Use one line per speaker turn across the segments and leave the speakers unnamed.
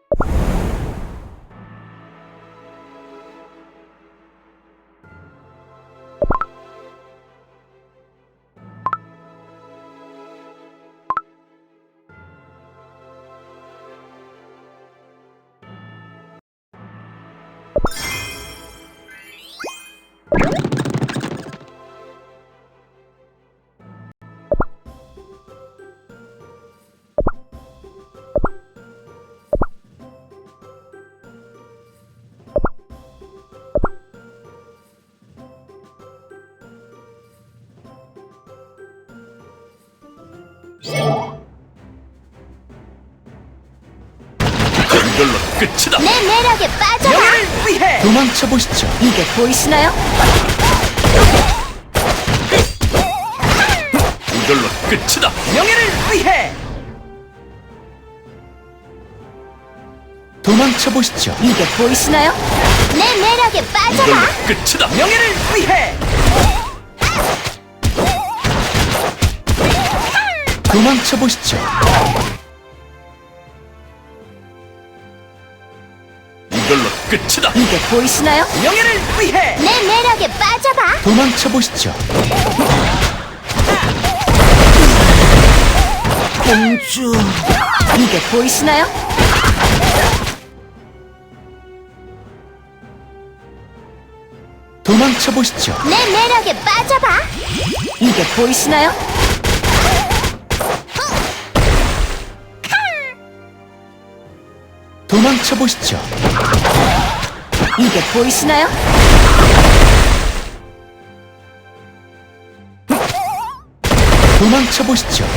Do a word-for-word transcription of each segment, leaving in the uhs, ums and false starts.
이걸로 끝이다.
내 매력에 빠져라.
명예를 위해
도망쳐 보시죠.
이게 보이시나요?
이걸로 끝이다.
명예를 위해
도망쳐 보시죠.
이게 보이시나요? 내 매력에
이걸로
빠져라.
끝이다.
명예를 위해
도망쳐 보시죠.
이걸로 끝이다.
이게 보이시나요?
명예를 위해
내 매력에 빠져봐.
도망쳐 보시죠.
공주. 이게 보이시나요?
도망쳐 보시죠.
내 매력에 빠져봐. 이게 보이시나요?
도망쳐 보시죠.
이게 보이시나요?
도망쳐 보시죠.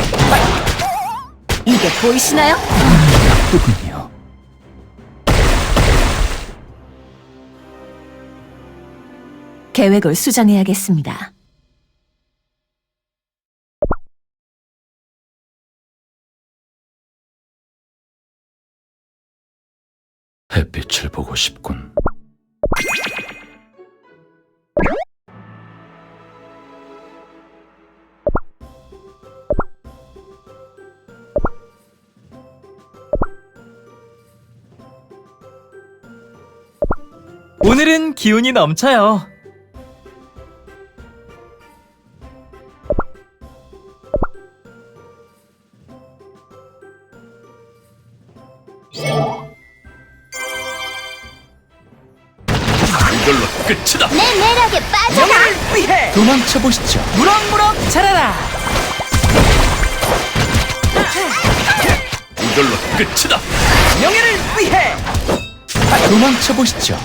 이게 보이시나요?
누군요?
계획을 수정해야겠습니다.
햇빛을 보고 싶군.
오늘은 기운이 넘쳐요.
이걸로 끝이다.
내 매력에 빠져봐.
명예를 위해
도망쳐 보시죠.
무럭무럭 자라라.
이걸로 끝이다.
명예를 위해
도망쳐 보시죠.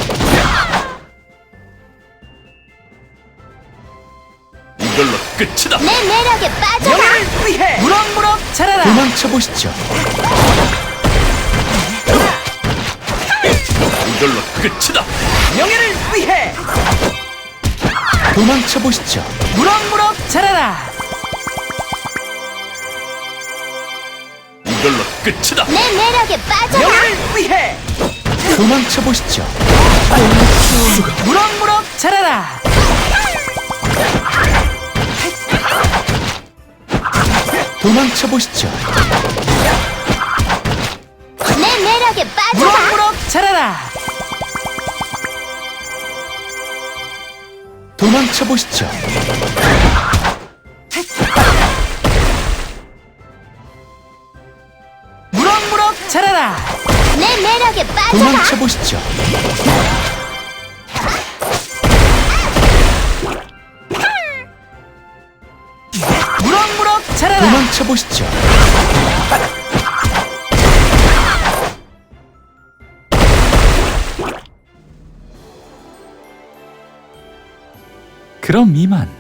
이걸로 끝이다.
내 매력에 빠져봐.
명예를 위해 무럭무럭 자라라.
도망쳐 보시죠.
이걸로 끝이다.
명예를 위해
도망쳐 보시죠.
무럭무럭 자라라.
이걸로 끝이다.
내 매력에 빠져봐.
명예를 위해
도망쳐 보시죠.
무럭무럭 자라라.
도망쳐 보시죠.
내 매력에 빠져봐.
무럭무럭 자라라.
도망쳐 보시죠.
무럭무럭 자라라.
내 매력에 빠져봐.
도망쳐 보시죠.
무럭무럭 자라라.
도망쳐 보시죠. 그럼 이만.